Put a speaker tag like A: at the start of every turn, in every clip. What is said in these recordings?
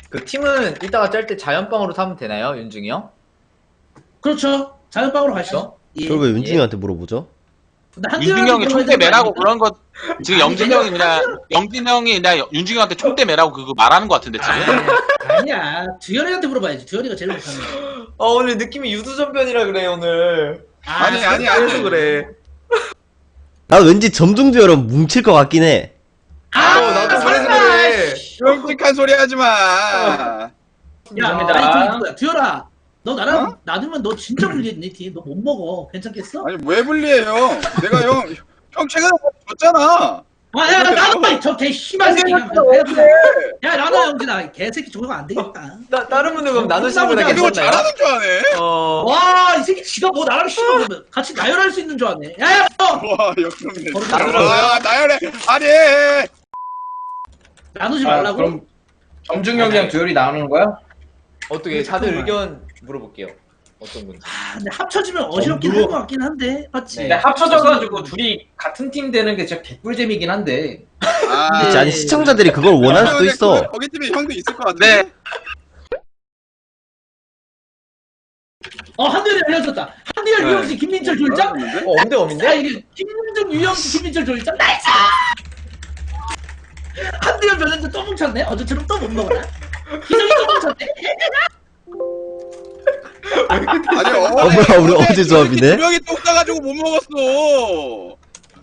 A: 그 팀은 이따가 짤 때 자연빵으로 사면 되나요, 윤중이 형?
B: 그렇죠. 자연빵으로 가시죠. 예.
C: 그걸 왜 윤중이한테 물어보죠?
B: 근데 한두
D: 윤중이 형이
B: 명이
D: 총대 매라고
B: 그런
D: 그런 거 지금 영진 형이 그냥 윤중이 형한테 총대 매라고 그거 말하는 거 같은데 지금.
B: 아니야. 두현이한테 물어봐야지. 두현이가 제일 못하는 거.
A: 오늘 느낌이 유두전변이라 그래, 오늘.
E: 아니
A: 그래서 그래.
C: 나 왠지 점중듀얼은 뭉칠 것 같긴 해.
A: 나도 그래서 그래.
E: 끔찍한 소리 하지 마.
B: 야,
A: 감사합니다.
B: 아니 저기 누구야? 두현아. 너 나랑 놔두면 너 진짜 불리했네 팀. 너 못 먹어. 괜찮겠어?
E: 아니 왜 불리해요? 내가 형 최근에 졌잖아.
B: 야, 나도 저개 심한 새끼. 야, 나도 영진아. 개새끼 저거 안 되겠다.
A: 다른 분들 그럼 나누시는 거나
E: 이거
A: 괜찮나요?
E: 잘하는 줄 아네.
B: 와, 이 새끼 지가 뭐 나랑 심하면 같이 나열할 수 있는 줄 아네. 야,
E: 와 역겹네.
A: 나누라고요?
E: 와 나열해. 아니.
B: 나누지 말라고.
F: 그럼 점중 형이랑 듀얼이 나오는 거야?
A: 어떻게 다들 의견 물어볼게요. 어떤 분지.
B: 근데 합쳐지면 어지럽긴 할 것 같긴 한데, 맞지?
A: 네.
F: 근데 합쳐져가지고 둘이 같은 팀 되는 게 진짜 개꿀잼이긴 한데.
E: 아,
B: 네.
C: 아니 시청자들이 그걸 원할 수도 있어.
E: 거기 팀에 형도 있을 것 같은데.
D: 네.
B: 한두열이 알려줬다. 한두열,
E: 네.
B: 유영진, 김민철 졸장.
A: 엄대
B: 야,
A: 엄인데?
B: 이게 김민정, 유영진, 김민철 졸장. 나이스! 한두열 변했는데 또 뭉쳤네. 어제처럼 또 못 먹었나? 기성이 또 뭉쳤네.
E: 아니
C: 뭐야, 우리 어제 조합이네?
E: 두 명이 똥 싸가지고 못 먹었어.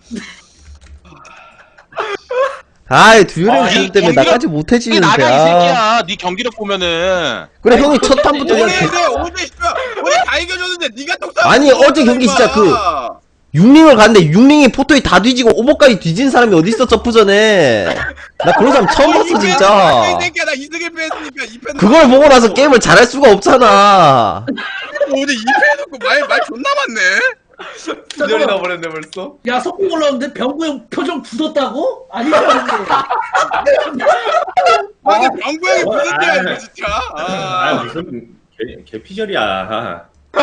C: 아이 듀얼이
D: 아,
C: 형
D: 이
C: 때문에
D: 경기력-
C: 나까지
D: 이
C: 못해지는데.
D: 나가 이
C: 아.
D: 새끼야. 네 경기력 보면은.
C: 그래 형이 첫 탄부터 그냥
E: 어제 씨발 어제 다 이겨줬는데 네가 똥 싸.
C: 아니, 어제 경기 진짜 육링을 갔는데 육링이 포토에 다 뒤지고 오버까지 뒤진 사람이 어딨어 점프전에. 나 그런 사람 처음 봤어 진짜.
E: 이 새끼야 나 2승 1패 했으니까 2패.
C: 그걸 보고 나서 게임을 잘할 수가 없잖아.
E: 어제 2패 해놓고 말 존나 많네.
A: 기절이 나버렸네 벌써.
B: 야, 속공 올라오는데 병구 형 표정 굳었다고? 아니,
E: 근데 병구 형이 무슨 데야 이거 진짜.
G: 아 무슨 개피절이야.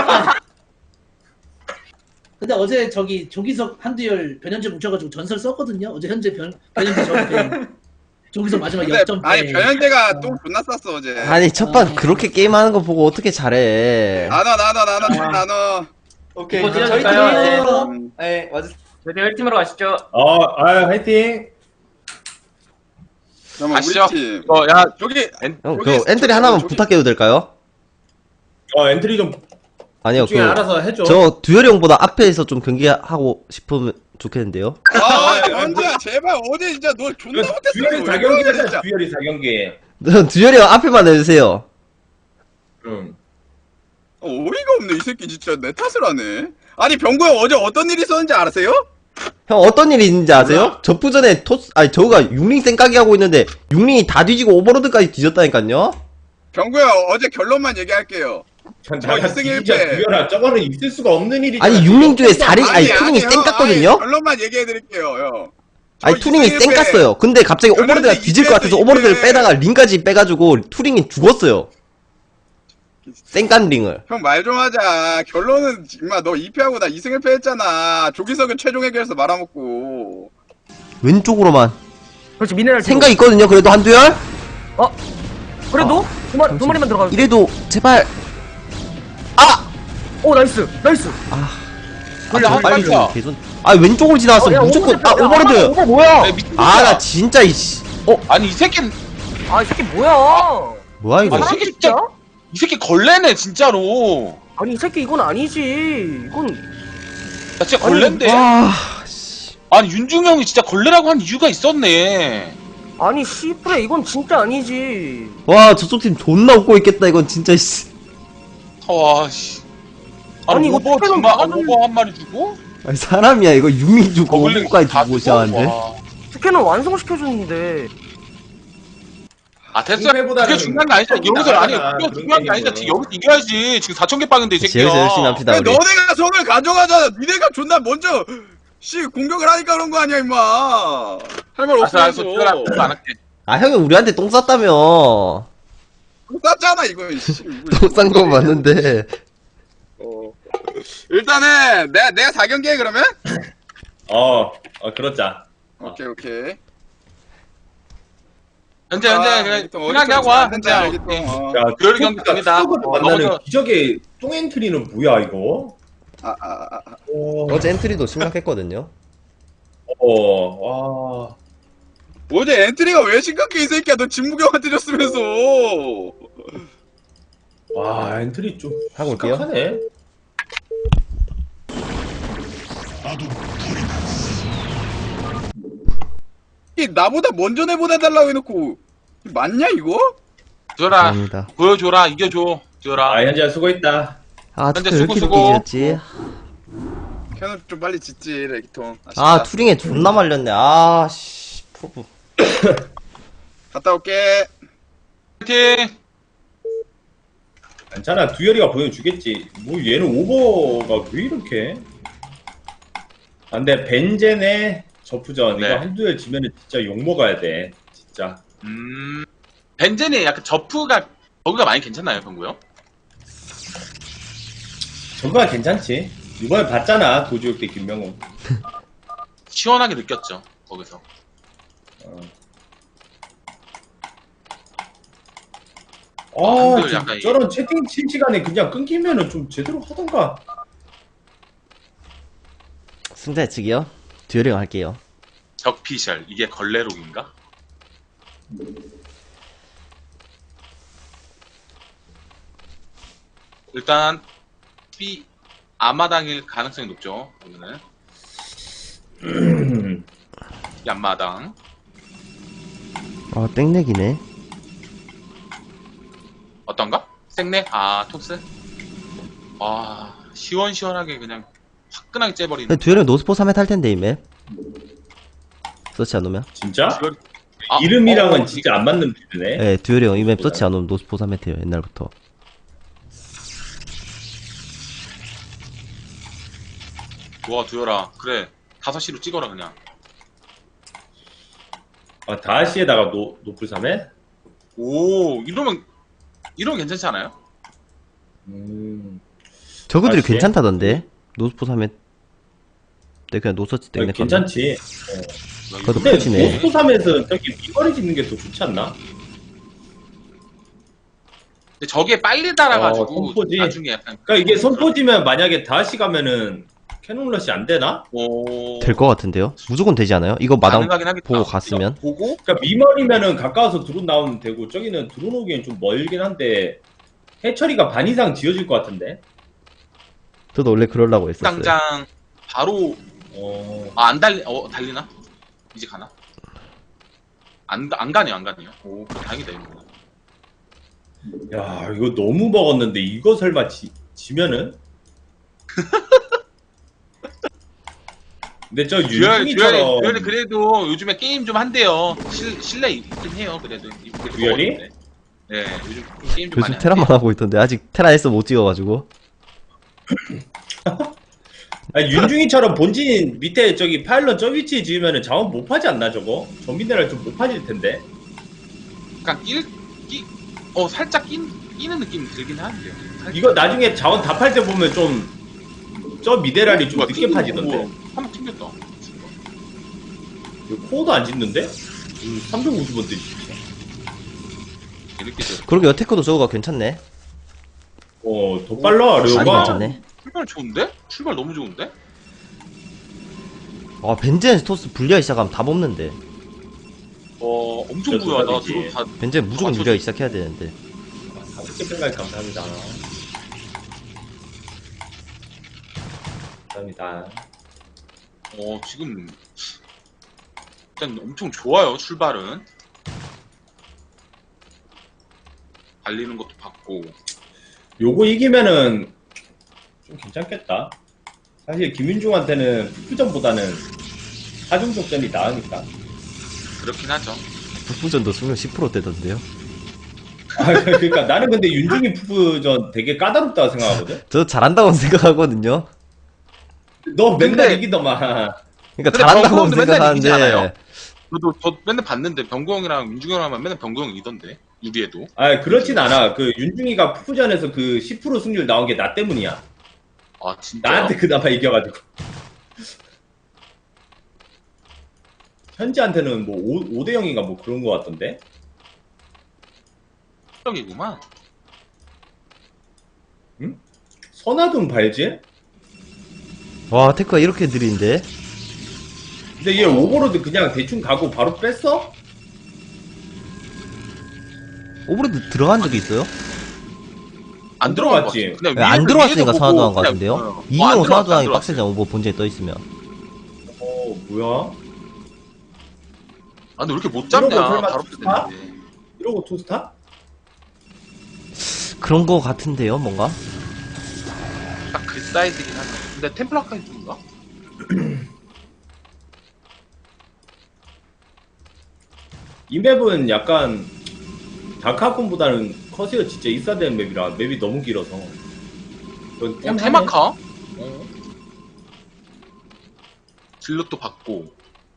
B: 근데 어제 저기 조기석 한두열 변현재 뭉쳐가지고 전설 썼거든요. 어제 현재 변현재 적배 조기석 마지막
E: 근데
B: 역전
E: 아니 변현재가 똥 존나 쌌어 어제.
C: 아니 첫판 그렇게 게임하는 거 보고 어떻게 잘해.
E: 나눠.
A: 오케이.
F: 이거
A: 그럼 저희
F: 찢어질까요?
A: 팀이에요. 네, 맞으세요.
F: 저희 1팀으로 가시죠.
G: 화이팅.
E: 잠깐만
D: 아시죠?
E: 우리 팀.
D: 야
E: 저기
C: 형, 그 엔트리 하나만 부탁해도 될까요?
G: 엔트리 좀
C: 아니요,
G: 중에 알아서 해줘.
C: 저 듀얼이 형보다 앞에서 좀 경기하고 싶으면 좋겠는데요.
E: 아 현재야 제발 어제 진짜 너 존나 못했어.
G: 듀얼이
E: 왜
G: 4경기
E: 그래,
G: 했잖아.
E: 진짜.
G: 듀얼이 4경기.
C: 듀얼이 형 앞에만 해주세요.
E: 어이가 없네 이 새끼 진짜 내 탓을 하네. 아니 병구 형 어제 어떤 일이 있었는지 아세요?
C: 형 어떤 일이 있는지 아세요? 접부전에 저가 육링 쌩까기 하고 있는데 육링이 다 뒤지고 오버로드까지 뒤졌다니까요?
E: 병구 형 어제 결론만 얘기할게요.
G: 나
E: 2승
G: 진짜
E: 1패.
G: 듀얼아 저거는 있을 수가 없는 일이잖아.
C: 아니 육링 중에 투링이
E: 형,
C: 쌩깠거든요?
E: 아니, 결론만 얘기해드릴게요 형.
C: 아니 투링이 쌩깠어요. 근데 갑자기 오버로드가 뒤질 것 같아서 오버로드를 빼다가 링까지 빼가지고 투링이 죽었어요. 쌩깐 링을.
E: 형 말 좀 하자. 결론은 임마 너 2패하고 나 2승 1패 했잖아. 조기석은 최종 해결해서 말아먹고.
C: 왼쪽으로만.
F: 그렇지, 미네랄.
C: 생각 있거든요 그래도 한두열?
F: 그래도? 두 마리만 들어가.
C: 이래도 제발.
F: 오, 나이스.
D: 원래 한
C: 빨리
D: 발자.
C: 좀 개선. 아 왼쪽으로 지나갔어 무조건. 오버로드.
F: 오버 뭐야?
C: 아 나 진짜 이씨.
D: 아니 이 새끼는
F: 아, 이 새끼 뭐야?
C: 뭐야 이거.
D: 아니, 이 새끼 진짜 이 새끼 걸레네 진짜로.
F: 아니, 이 새끼 이건 아니지. 이건
D: 나 진짜 걸레인데. 아니 윤중이 형이 진짜 걸레라고 한 이유가 있었네.
F: 아니, 씨프레 이건 진짜 아니지.
C: 와 저쪽 팀 존나 웃고 있겠다 이건 진짜 씨.
D: 와 씨.
F: 아니,
D: 아니
F: 이거
D: 오버
F: 투표는
D: 정말
F: 나가는-
D: 오버 한 마리 주고.
C: 아니 사람이야 이거 육링 주고
D: 거글링
C: 오버까지
D: 다
C: 주고
D: 주고?
C: 시작하는데.
D: 와.
F: 스캔은 완성시켜줬는데.
D: 아 됐어.
G: 승패보다는
D: 그게 중요한 게 아니잖아. 여기서 아니
G: 나가잖아,
D: 그게
G: 그런
D: 중요한 게 아니잖아.
G: 게임은.
D: 지금 여기서 이겨야지. 지금 4,000개 빵인데 이 새끼야.
C: 여기서 열심히 합시다
E: 근데
C: 우리.
E: 너네가 손을 가져가잖아. 니네가 존나 먼저 공격을 하니까 그런 거 아니야 임마. 할 말
D: 알았어 알았어.
E: 없어.
D: 그거 안 할게.
C: 아 형이 우리한테 똥 쌌다며.
E: 쌌잖아 이거. 씨.
C: 똥 싼 거 맞는데.
E: 일단은 내가 4경기 해 그러면?
G: 그렇자.
E: 오케이.
D: 현재 그냥
E: 얘기통
D: 편하게 하고 와. 현재.
E: 한다 얘기통.
G: 야,
D: 듀얼 경기 됩니다.
G: 만나는
D: 넘어져.
G: 기적의 똥 엔트리는 뭐야 이거?
C: 어제 엔트리도 심각했거든요.
G: 와.
E: 어제 엔트리가 왜 심각해 이 새끼야. 너 진무경한테 졌으면서.
G: 와 엔트리 좀
C: 하고 올게요.
G: 심각하네.
E: 이 나보다 먼저 내보내달라고 해놓고 맞냐 이거?
D: 듀얼아,
C: 감사합니다.
D: 보여줘라. 이겨줘. 듀얼아.
G: 아 현지야 수고했다.
C: 아,
D: 현재
C: 투표 왜 이렇게
D: 수고.
C: 늦게 지었지?
E: 켜놓 좀 빨리 짓지 레기통.
C: 아, 투링에 존나 말렸네. 아, 씨. 프로브.
E: 갔다 올게.
D: 파이팅!
G: 괜찮아 듀얼이가 보여주겠지. 뭐 얘는 오버가 왜 이렇게? 아, 근데 벤젠의 저프전
D: 네.
G: 이거 한두 열 지면은 진짜 욕 먹어야 돼. 진짜.
D: 벤젠이 약간 저프가 버그가 많이 괜찮나요, 병구요?
G: 저거가 괜찮지. 이번에 봤잖아 도지욱 때 김명훈.
D: 시원하게 느꼈죠, 거기서.
G: 아,
D: 한글 약간
G: 저런 채팅 칠 시간에 그냥 끊기면은 좀 제대로 하던가.
C: 승자 예측이요? 듀얼링 할게요.
D: 적피셜, 이게 걸레록인가? 일단 B 앞마당일 가능성이 높죠. 여기는 이 앞마당.
C: 아, 땡내기네.
D: 어떤가? 생내? 아, 톱스? 아, 시원시원하게 그냥 화끈하게 째버리는.
C: 근데 듀얼링 노스포 3회 탈 텐데, 이 맵. 서치 안 오면?
G: 진짜?
D: 듀얼- 아,
G: 이름이랑은 진짜 안 맞는 빌드네.
C: 네, 듀얼링 이 맵 서치 안 오면 노스포 3회 태요, 옛날부터.
D: 와, 두열아. 그래. 5시로 찍어라, 그냥.
G: 아, 다시에다가 노플 3회?
D: 오, 이러면 괜찮지 않아요?
C: 저그들이
G: 다시에?
C: 괜찮다던데? 노스포 3회 때 그냥 노서치 때
G: 아니,
C: 그냥
G: 괜찮지.
C: 그래도
G: 근데
C: 끝이네.
G: 노스포 3에서 저기 미거리 짓는 게 더 좋지 않나?
D: 근데 저게 빨리 달아가지고
G: 선포지.
D: 나중에 약간
G: 그러니까 이게 선포지면 만약에 다시 가면은 캐논러시 안 되나?
C: 될 것 같은데요? 무조건 되지 않아요? 이거 마당
D: 가능하긴 하겠다.
C: 보고 갔으면?
D: 보고
G: 그러니까 미머리면은 가까워서 드론 나오면 되고 저기는 드론 오기엔 좀 멀긴 한데 해처리가 반 이상 지어질 것 같은데.
C: 저도 원래 그러려고 했었어요.
D: 당장 바로 안 달리나? 이제 가나? 안 가네요. 오, 다행이다 이거.
G: 야 이거 너무 먹었는데 이거 설마 지면은? 근데 저 윤중이처럼
D: 듀얼이 그래도 요즘에 게임 좀 한대요. 실내 있긴 해요. 그래도
G: 듀얼이?
D: 네, 요즘 좀 게임 좀 많이
C: 요즘 테라만 하고 있던데 아직 테라 S 못 찍어가지고.
G: 아니, 윤중이처럼 본진 밑에 저기 파일럿 저 위치에 지으면은 자원 못 파지 않나 저거? 전민대를 좀 못 파질 텐데.
D: 약간 살짝 끼는 느낌이 들긴 하는데요. 살짝.
G: 이거 나중에 자원 다 팔 때 보면 좀 저 미네랄이 좀 늦게 파지던데.
D: 한번 튕겼다.
G: 이거 코어도 안 짓는데? 350원 대
D: 재밌게 죠
C: 그러게 여태커도 저거가 괜찮네.
G: 더 빨라
C: 많이
G: 려가.
C: 괜찮네.
D: 출발 좋은데? 출발 너무 좋은데?
C: 아, 벤젠 스토스 분리하기 시작하면 답 없는데.
D: 엄청
G: 진짜
D: 부여하다.
G: 대박이지.
D: 들어 다
C: 벤젠 무조건
D: 맞췄어.
C: 분리하기 시작해야 되는데.
G: 다섯 생각 감사합니다. 감사합니다.
D: 지금 일단 엄청 좋아요. 출발은 달리는 것도 봤고.
G: 요거 이기면은 좀 괜찮겠다. 사실 김윤중한테는 푸푸전보다는 하중족전이 나으니까.
D: 그렇긴 하죠.
C: 북부전도 수명 10%대던데요.
G: 아, 그러니까 나는 근데 윤중이 푸푸전 되게 까다롭다고 생각하거든.
C: 저 잘한다고 생각하거든요.
G: 너 맨날
D: 근데-
G: 이기더만.
C: 그러니까
D: 근데
C: 잘한다고
D: 병구형도 맨날 이기지
C: 생각하는데.
D: 않아요? 저 맨날 봤는데 병구 형이랑 윤중이 형이랑 맨날 병구 형이 이던데 유리에도.
G: 아, 그렇진 않아. 그 윤중이가 푸푸전에서 그 10% 승률 나온 게 나 때문이야.
D: 아 진짜.
G: 나한테 그나마 이겨가지고. 현지한테는 뭐 5대 0인가 뭐 그런 거 같던데.
D: 적이구만.
G: 선화둔 발질?
C: 와 테크가 이렇게 느린데.
G: 근데 얘 오버로드 그냥 대충 가고 바로 뺐어?
C: 오버로드 들어간 적이 있어요?
D: 안 들어간 거
G: 들어갔지.
D: 같아.
C: 네, 안 들어왔으니까 선화도 한거
D: 그냥,
C: 같은데요?
D: 어,
C: 이영호
D: 안
C: 선화도 하기
D: 들어왔어.
C: 빡세잖아 오버 본진에 떠있으면.
G: 뭐야?
D: 아, 근데 왜 이렇게 못 잡냐?
G: 이러고 설마
D: 바로
G: 투스타?
D: 되는데.
G: 이러고 투스타?
C: 그런 거 같은데요 뭔가?
D: 딱 그 사이즈긴 하네. 근데 템플러까지 준가?
G: 이 맵은 약간 다크하콘보다는 커세어 진짜 있어야 되는 맵이라 맵이 너무 길어서. 그건 템하네.
D: 테마카? 질럿도 받고.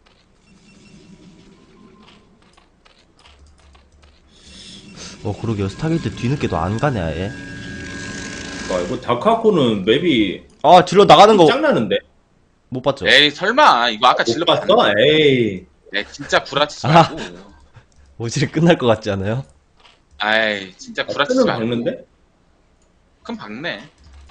C: 그러게요. 스타게이트 뒤늦게도 안 가네 아예.
G: 와, 이거 다크하콘은 맵이
C: 아 질러 나가는 거 못
G: 짱나는데?
C: 봤죠?
D: 에이, 설마. 이거 아까
G: 못
D: 질럿
G: 봤어?
D: 받는
G: 에이.
D: 네, 진짜 구라치지
C: 아.
D: 말고.
C: 오질이 끝날 것 같지 않아요?
D: 아이, 진짜 구라치지
G: 는
D: 말고.
G: 박는데?
D: 그럼 박네.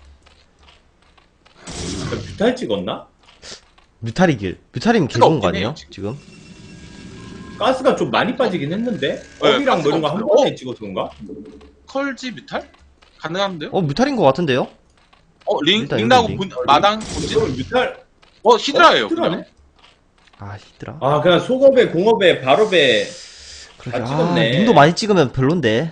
G: 뷰탈 찍었나?
C: 뮤탈이길. 뮤탈이면
D: 수가
C: 개좋은 거
D: 없긴 해요,
C: 아니에요? 지금?
G: 가스가 좀 많이 빠지긴 했는데?
D: 네,
G: 업이랑 뭐 이런 거 한
D: 가스가
G: 번에 찍어서 그런가?
D: 컬지 뮤탈? 가능한데요?
C: 뮤탈인 것 같은데요? 일단
D: 링 나고
C: 링.
D: 마당 본진?
G: 이거 뮤탈?
D: 히드라예요,
G: 히드라네?
D: 그냥.
C: 아 히드라.
G: 아, 그냥 속업에, 공업에, 발업에.
C: 그러게.
G: 다 찍었네.
C: 링도 많이 찍으면 별론데.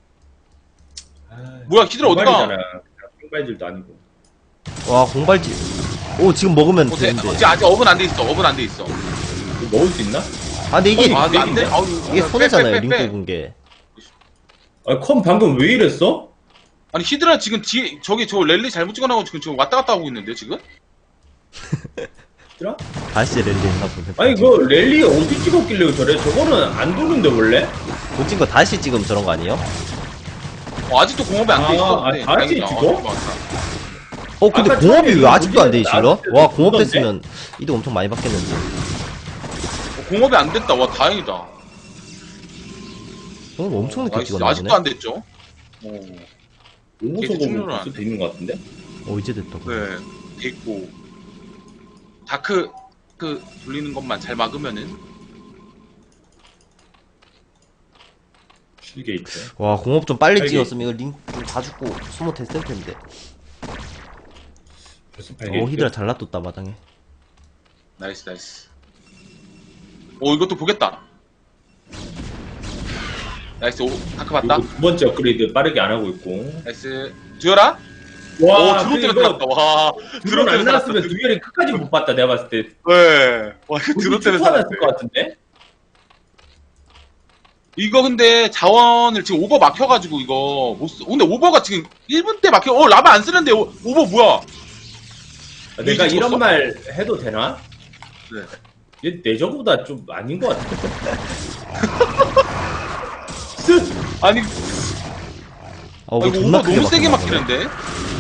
D: 뭐야, 히드라 어디가?
G: 공발이잖아. 공발질도 아니고.
C: 와 공발지. 오 지금 먹으면
D: 어제
C: 되는데.
D: 아직 업은 안 돼 있어. 업은 안 돼 있어.
G: 이거 먹을 수 있나?
C: 아 근데 이게
D: 아, 안 돼? 아우,
C: 이게 손해잖아요.
D: 빼,
C: 링
D: 빼, 빼.
C: 뽑은 게.
G: 아, 컴 방금 왜 이랬어?
D: 아니 히드라 지금 뒤에 저 랠리 잘못 찍어나고 지금 왔다 갔다 하고 있는데 지금?
G: 얘들아?
C: 다시 랠리 했나 보네.
G: 아니, 그 랠리 어디 찍었길래 저래? 저거는 안 도는데, 원래?
C: 못 찍은 거 다시 찍으면 저런 거 아니에요?
D: 아직도 공업이 안 돼 있어.
G: 아,
D: 근데
G: 다시
D: 다행이다.
G: 찍어?
D: 좋았다.
C: 근데
G: 아까
C: 공업이
G: 처음에
C: 왜 아직도 안 돼
G: 이거
C: 실러?
G: 나왔을
C: 와
G: 때
C: 공업
G: 보던데?
C: 됐으면 이득 엄청 많이 받겠는데.
D: 공업이 안 됐다. 와 다행이다.
C: 공업 엄청 늦게
D: 나이스.
C: 찍었나
D: 아직도
C: 보네.
D: 안 됐죠?
G: 오무소고
D: 충분을
G: 벌써
D: 안
G: 돼 있는 것 같은데?
C: 이제 됐다.
D: 네. 됐고 다크 돌리는 것만 잘 막으면은
G: 실게이트.
C: 와 공업 좀 빨리
G: 빨리.
C: 찍었으면 이거 링 좀 다 죽고 소모 됐을 텐데.
G: 벌써 발게이트.
C: 히드라 잘 놔뒀다 마당에.
D: 나이스. 이것도 보겠다. 나이스. 다크 봤다.
G: 그리고 두 번째 업그레이드 빠르게 안 하고 있고.
D: 나이스. 듀얼아?
G: 와,
D: 드론 때문에
G: 이거
D: 살았다. 와.
G: 드론 안 나왔으면 듀얼이 끝까지 못 봤다, 내가 봤을 때.
D: 네. 와, 이거 드론 때문에 살았어.
G: 났을 것 같은데?
D: 이거 근데 자원을 지금 오버 막혀가지고 이거 못 쓰. 근데 오버가 지금 1분 때 막혀. 라바 안 쓰는데 오버 뭐야?
G: 내가
D: 이제
G: 이런
D: 줬어?
G: 말 해도 되나?
D: 네.
G: 얘 내저보다 좀 아닌 것 같아.
D: 아니
C: 뭐
D: 이거
C: 존나
D: 오버
C: 크게
D: 너무 세게
C: 막혔나 보네.
D: 막히는데?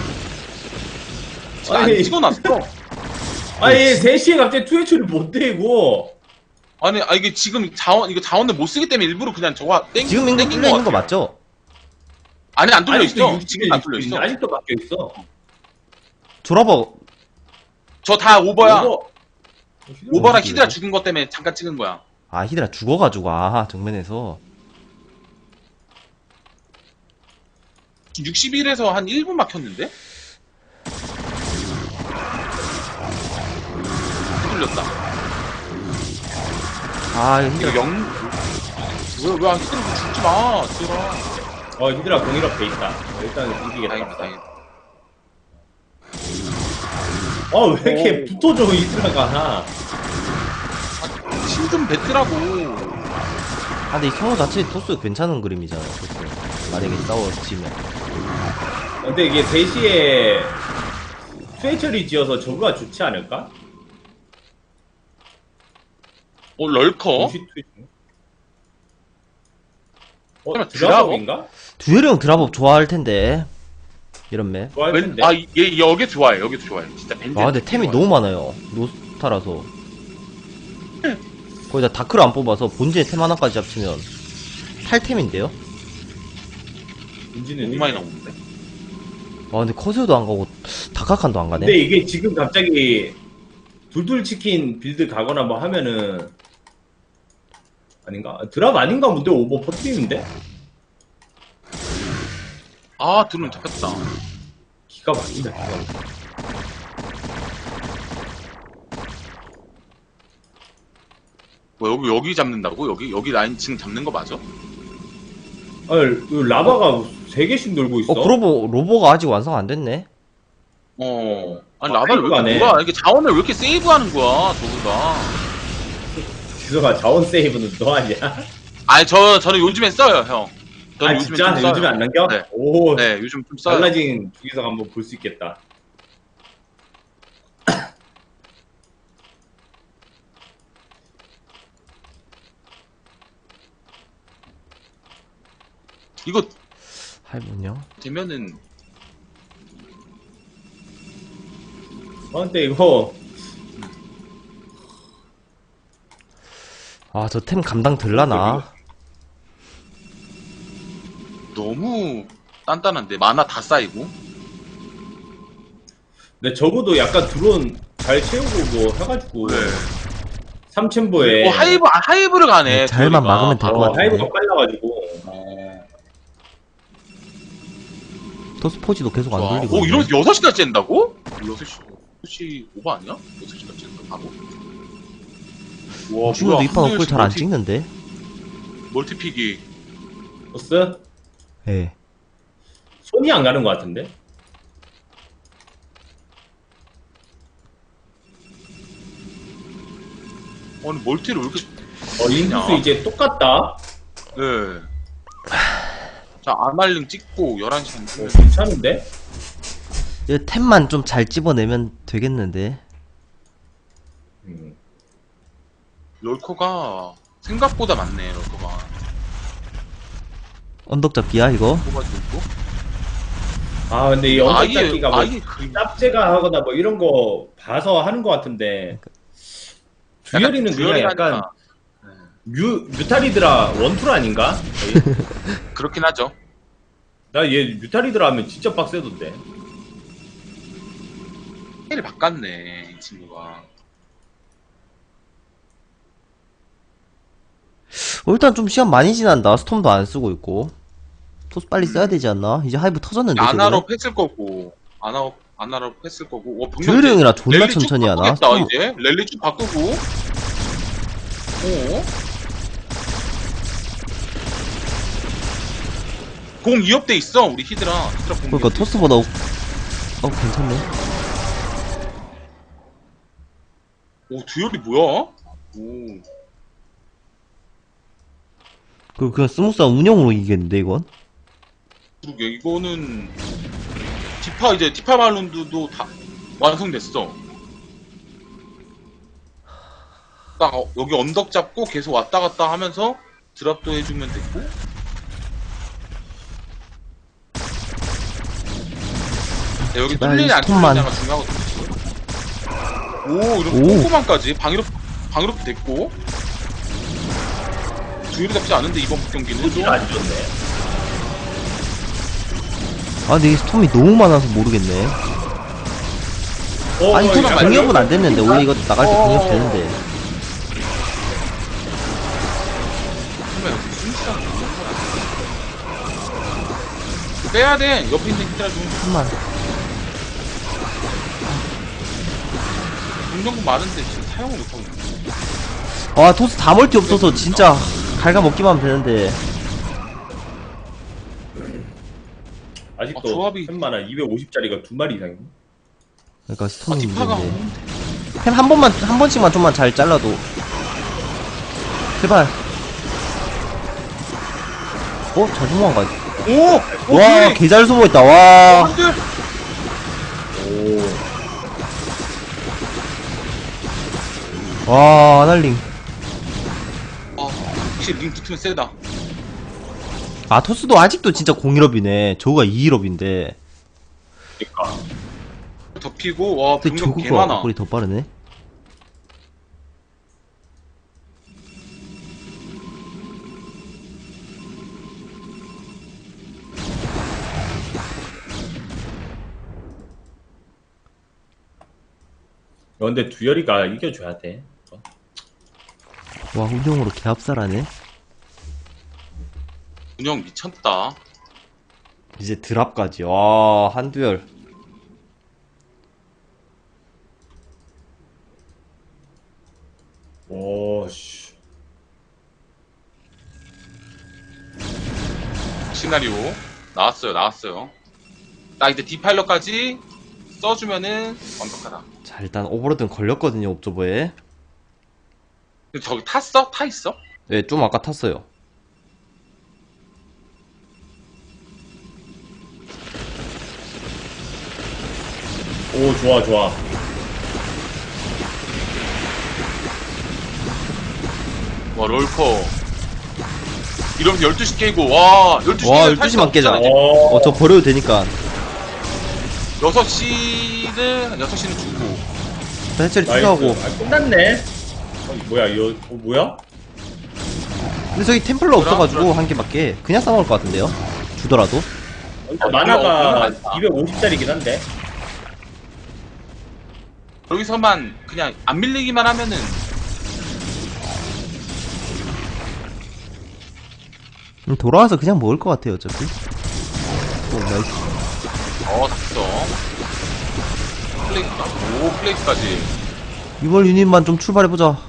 D: 지금 안
G: 아니.
D: 찍어놨어.
G: 아니, 3시에 갑자기 투회초를 못 대고.
D: 아니 이게 지금 자원을 못 쓰기 때문에 일부러 그냥 저거
C: 지금 이거 뚫려 있는 거 맞죠?
D: 아니 안 뚫려
G: 아직도
D: 있어.
G: 60일,
D: 지금 안 뚫려
G: 60일.
D: 있어.
G: 아직도 막혀 있어.
C: 졸아버.
D: 저 다 오버야. 오버랑
C: 어디
D: 히드라
C: 그래요?
D: 죽은 것 때문에 잠깐 찍은 거야.
C: 아 히드라 죽어가지고 정면에서.
D: 61에서 한 1분 막혔는데? 뚫렸다.
C: 이거
D: 이거
C: 히드라.
D: 왜안 히드라 죽지 마. 들어.
G: 히드라 공일업 돼 있다. 일단 이기겠다.
D: 다행이다.
G: 왜 이렇게 붙어줘, 히드라가.
D: 힘좀 뱉으라고.
C: 근데 이 성우 자체 토스 괜찮은 그림이잖아요. 토스. 만약에 싸워지면.
G: 근데 이게 3시에 투회처리 지어서 저거가 좋지 않을까?
D: 럴커?
G: 동시 투회처리.
D: 설마
G: 드라법인가?
C: 듀얼형 드랍업 좋아할 텐데. 이런 맵.
G: 좋아할 텐데.
D: 얘 여기 좋아해. 여기 좋아해. 진짜 벤젠.
C: 근데 템이 너무 많아요. 노스타라서. 거기다 다크를 안 뽑아서 본진에 템 하나까지 합치면 8템인데요?
G: 딘지는
D: 너무 많이 나오는데.
C: 아 근데 커세어도 안 가고 다카칸도 안 가네.
G: 근데 이게 지금 갑자기 둘둘 치킨 빌드 가거나 뭐 하면은 아닌가? 드랍 아닌가 본데 오버 퍼트리는데?
D: 아 드론 잡혔다.
G: 기가 막힌다 기가 막힌다.
D: 뭐 여기 잡는다고? 여기 라인 지금 잡는 거 맞아?
G: 아니 라바가 3개씩 놀고 있어.
C: 그러고 로보가 아직 완성 안 됐네.
D: 아니 라바를 왜 이렇게
G: 세이브하네.
D: 몰아? 이게 자원을 왜 이렇게 세이브하는 거야 저거가?
G: 지성아 자원 세이브는 너 아니야?
D: 아니 저는 요즘엔 써요 형. 저는
G: 아
D: 요즘엔
G: 진짜?
D: 좀 써요.
G: 요즘에 안 남겨?
D: 네.
G: 오
D: 네 요즘 좀 써요.
G: 달라진 주기석 한번 볼 수 있겠다.
D: 이거
C: 할머니요.
D: 되면은
G: 근데 이거
C: 아 저 템 감당 들라나.
D: 너무 단단한데 만화 다 쌓이고.
G: 근데 적어도 약간 드론 잘 채우고 뭐 해가지고
D: 네.
G: 3챔버에
D: 하이브를 가네.
C: 잘만
D: 듀얼이가.
C: 막으면 될 것 같은데.
G: 하이브가 빨라가지고
C: 토스 포지도 계속 안
D: 좋아.
C: 돌리고.
D: 오
C: 있네.
D: 이러면서 6시까지 짠다고? 6시 오버 아니야? 6시까지 짠다 바로? 와
C: 친구도 이판
D: 한
C: 업글 잘 안
D: 멀티-
C: 찍는데.
D: 멀티픽이
G: 보스
C: 예.
G: 손이 안 가는 것 같은데?
D: 아니 멀티를 왜 이렇게
G: 인구수 이제 똑같다?
D: 네. 자 아날링 찍고 11시
G: 괜찮은데?
C: 이 템만 좀 잘 집어내면 되겠는데.
D: 럴커가 생각보다 많네 럴커가
C: 언덕 잡기야 이거.
D: 뽑아주고
G: 아 근데 이 언덕잡기가 뭐
D: 아예 그림
G: 짭제가 하거나 뭐 이런 거 봐서 하는 것 같은데 듀얼이는 그냥 약간 뮤탈리드라 원툴 아닌가?
D: 그렇긴 하죠.
G: 나 얘 뮤탈리드라 하면 진짜 빡세던데.
D: 스킬을 바꿨네 이 친구가.
C: 일단 좀 시간 많이 지난다. 스톰도 안 쓰고 있고. 토스 빨리 써야 되지 않나? 이제 하이브 터졌는데 지금.
D: 아나로 했을 거고 아나로 했을 거고. 와, 병력
C: 듀얼이 형이라 존나
D: 랠리 쭉
C: 천천히 하나?
D: 바꾸겠다,
C: 스톰-
D: 이제 랠리 쭉 바꾸고. 공 2업돼 있어 우리 히드라 공
C: 그러니까
D: 2업돼
C: 토스보다 괜찮네.
D: 오 듀얼이 뭐야? 오
C: 그냥 스무스한 운영으로 이기겠는데 이건?
D: 그러게 이거는 디파 말론드도 다 완성됐어. 딱 여기 언덕 잡고 계속 왔다 갔다 하면서 드랍도 해주면 되고. 네, 여기
C: 제발
D: 뚫리지 안
C: 스톱만.
D: 뚫리냐가 중요하거든요. 오 이런
C: 오.
D: 꼼꼼함까지 방위롭도 됐고. 주의를 잡지 않은데 이번 경기는 좀
G: 안 좋네.
C: 아 근데 이 스톰이 너무 많아서 모르겠네. 아니 토스
G: 약간
C: 공격은 안 됐는데 원래 이거 나갈 때 공격 되는데.
D: 그러면 순수한 빼야 돼. 옆에 있는 히드라 좀
C: 한만.
D: 공정구 많은데 지금 사용을 못하고 있네.
C: 와 토스 다 멀티 없어서 진짜 갉아먹기만 하면 되는데.
G: 아직도
D: 조합이-
G: 템 많아. 250짜리가 2마리 이상이네.
C: 그러니까 스톰이
D: 디파가
C: 문제인데. 템 한 번씩만 좀만 잘 잘라도. 제발. 잘 도망가.
D: 오!
C: 와, 개 잘 숨어있다, 와.
D: 한들
C: 와, 아날링.
D: 확실히 링 붙으면 세다.
C: 아, 토스도 아직도 진짜 01업이네. 저거가 2일업인데.
G: 그러니까
D: 덮이고 와
C: 근데
D: 병력 개
C: 저거가
D: 많아.
C: 업글이 더 빠르네.
G: 근데 두열이가 이겨줘야 돼.
C: 와, 운영으로 개합살하네.
D: 운영 미쳤다.
C: 이제 드랍까지. 와, 한두열.
G: 오씨.
D: 시나리오 나왔어요. 나 이제 디파일러까지 써주면은 완벽하다.
C: 자, 일단 오버로드는 걸렸거든요, 옵저버에.
D: 근데 저기 탔어? 타 있어?
C: 네, 좀 아까 탔어요.
G: 오, 좋아, 좋아.
D: 와 롤커. 이러면 12시 깨고 와 12시
C: 와, 12시만 깨자. 저 버려도 되니까.
D: 6시는 6시는 주고.
C: 해처리
G: 나이스.
C: 투자하고.
G: 아, 끝났네. 뭐야, 이거, 뭐야?
C: 근데 저기 템플러
D: 그럼,
C: 없어가지고
D: 그럼.
C: 한 개밖에. 그냥 싸먹을 것 같은데요? 주더라도.
G: 만화가
D: 많다.
G: 250짜리긴 한데.
D: 여기서만 그냥 안 밀리기만 하면은
C: 돌아와서 그냥 먹을 것 같아요, 어차피. 오, 나이스.
D: 닥쳐. 플레이인가? 오 플레이까지.
C: 이번 유닛만 좀 출발해보자.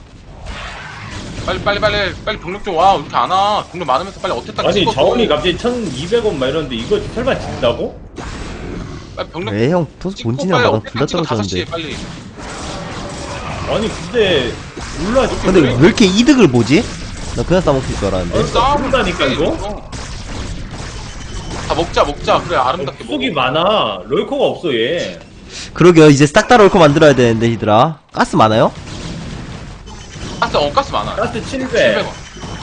D: 빨리 병력 좀 와. 왜 이렇게 안 와? 병력 많으면서 빨리 어택 딱
G: 아니,
D: 찍어.
G: 자원이 갑자기 1200원 막 이러는데 이거 설마 진다고?
D: 빨리 병력
C: 왜 형, 토스
D: 찍고
C: 본진이랑
D: 빨리
C: 나랑
D: 어택
C: 둘 다
D: 찍어 5시에
C: 떨어졌는데.
D: 빨리.
G: 아니, 근데, 몰라,
C: 근데 왜 이렇게 이득을 보지? 나 그냥 싸먹힐 줄 알았는데.
G: 싸운다니까, 이거?
D: 다 먹자. 그래 아름답게
G: 구속이
D: 먹어.
G: 많아. 럴커가 없어, 얘.
C: 그러게요, 이제 싹 다 럴커 만들어야 되는데, 히드라. 가스 많아요?
D: 가스 많아.
G: 가스 700.
D: 700원.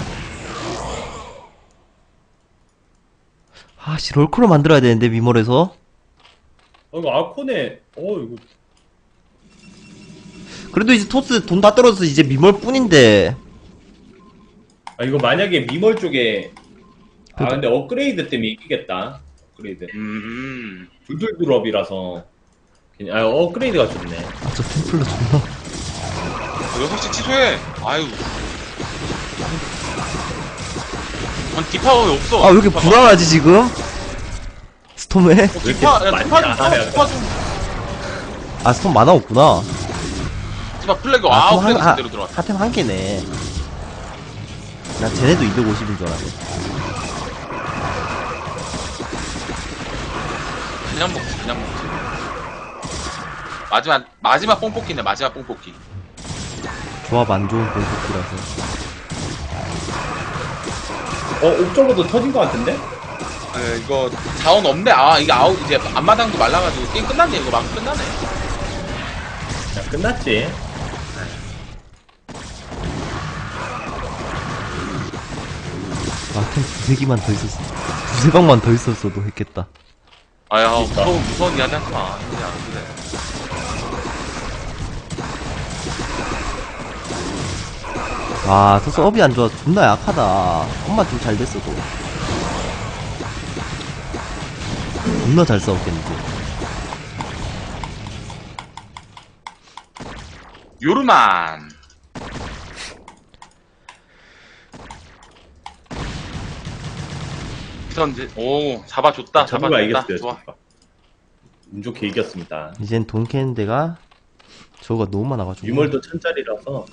C: 아씨, 럴커로 만들어야 되는데, 미몰에서.
G: 이거 아코네, 이거.
C: 그래도 이제 토스 돈 다 떨어져서 이제 미몰 뿐인데.
G: 아, 이거 만약에 미멀 쪽에. 아,
C: 그래도-
G: 근데 업그레이드 때문에 이기겠다. 업그레이드. 둘둘 드롭이라서. 그냥, 업그레이드가 좋네.
C: 아, 저 템플러 존나.
D: 6시 취소해. 아유. 아니 디파 왜 없어?
C: 아, 왜 이렇게
D: 디파가.
C: 불안하지, 지금? 스톰에?
D: 디파
G: 많이
D: 디파
G: 안 하네,
D: 디파 좀
C: 아, 스톰 많아 없구나.
D: 디파 플래그
C: 아, 스톰
D: 플래그
C: 한,
D: 제대로 들어왔다.
C: 하템 한 개네. 나 쟤네도 250인 줄 알았네.
D: 그냥 먹지. 마지막 뽕뽑기네. 마지막 뽕뽑기.
C: 조합 안 좋은 공격기라서.
G: 옥저버도 터진 것 같은데?
D: 이거 자원 없네. 이게 이제 앞마당도 말라가지고 게임 끝났네. 이거 막 끝나네.
G: 야, 끝났지.
C: 아, 템 두세 개만 더 있었어. 두세 방만 더 있었어도 했겠다.
D: 아야
G: 그러니까.
D: 무서운 이야기 하지 마. 그냥 그래.
C: 아, 토스 업이 안 좋아. 존나 약하다. 업만 좀 잘 됐어도. 존나 잘 싸웠겠는데.
D: 요르만. 잡아줬다.
G: 저도가 이겼어요.
D: 좋아.
G: 저도가. 운 좋게 이겼습니다.
C: 이젠 돈 캐는 데가 저거가 너무 많아가지고.
G: 유물도 1000짜리라서.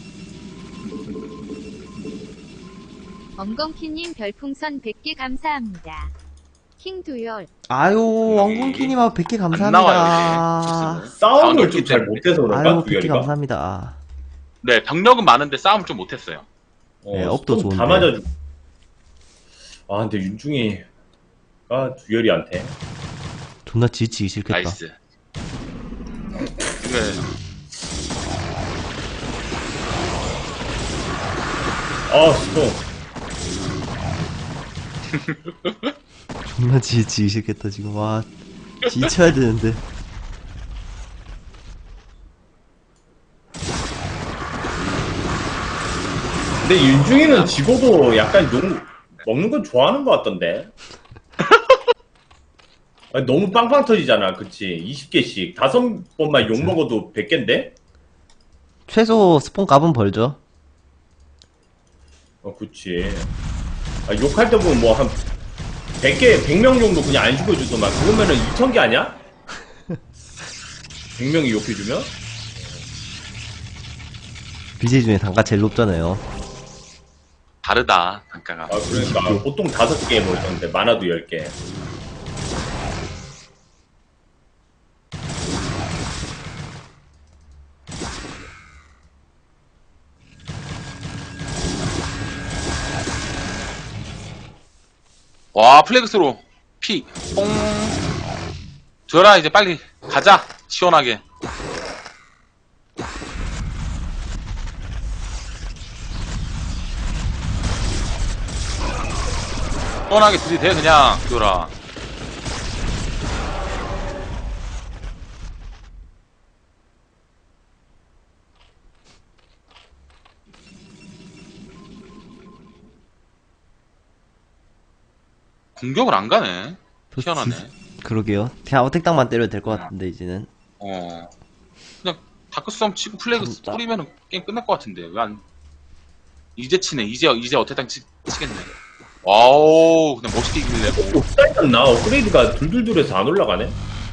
H: 엉겅키님 별풍선 100개 감사합니다. 킹두열.
C: 아유, 왕궁키님하고 100개
D: 안 나와요,
C: 감사합니다.
D: 이제.
G: 싸움을 좀 잘
D: 때문에.
G: 못해서 그런가?
C: 아유, 100개
G: 두열이가?
C: 감사합니다.
D: 네, 병력은 많은데 싸움 좀 못했어요.
C: 네, 업도
G: 스톤
C: 좋은데.
G: 다 맞아주고. 아, 근데 윤중이가 두열이한테.
C: 존나 지치기 싫겠다.
D: 나이스. 근데
G: 스톤.
C: 존나 지치기 싫겠다, 지금. 와, 지쳐야 되는데.
G: 근데 윤중이는 지고도 약간 먹는 건 좋아하는 것 같던데. 아니, 너무 빵빵 터지잖아, 그치? 20개씩 5번만 욕 먹어도 100개인데?
C: 최소 스폰 값은 벌죠.
G: 그치. 아, 욕할 때 보면 뭐 한 100개, 100명 정도 그냥 안 죽여주더만. 그러면은 2000개 아니야? 100명이 욕해주면?
C: BJ 중에 단가 제일 높잖아요.
D: 다르다 단가가.
G: 아, 그러니까 보통 5개 뭐 이런데 많아도 10개.
D: 와 플래그스로 피 뽕. 줘라 이제 빨리 가자 시원하게. 시원하게 들이대 그냥 줘라. 공격을 안 가네. 희한하네.
C: 그러게요. 그냥 어택당만 때려도 될 것 같은데 이제는.
D: 그냥 다크썸 치고 플래그
C: 진짜.
D: 뿌리면 게임 끝날 것 같은데 왜 안? 이제 치네. 이제 어택당 치겠네. 와우 그냥 멋있게 이길래.
G: 없다였나? 업그레이드가 둘둘둘해서 안 올라가네?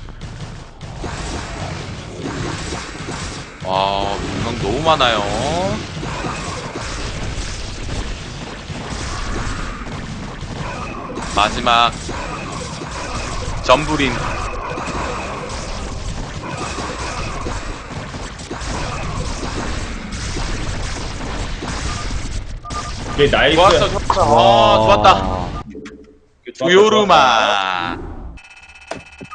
D: 와 공격 너무 많아요. 마지막 점부린.
G: 이게 나이스.
D: 좋았어 좋았어. 아 좋았다. 조요르마.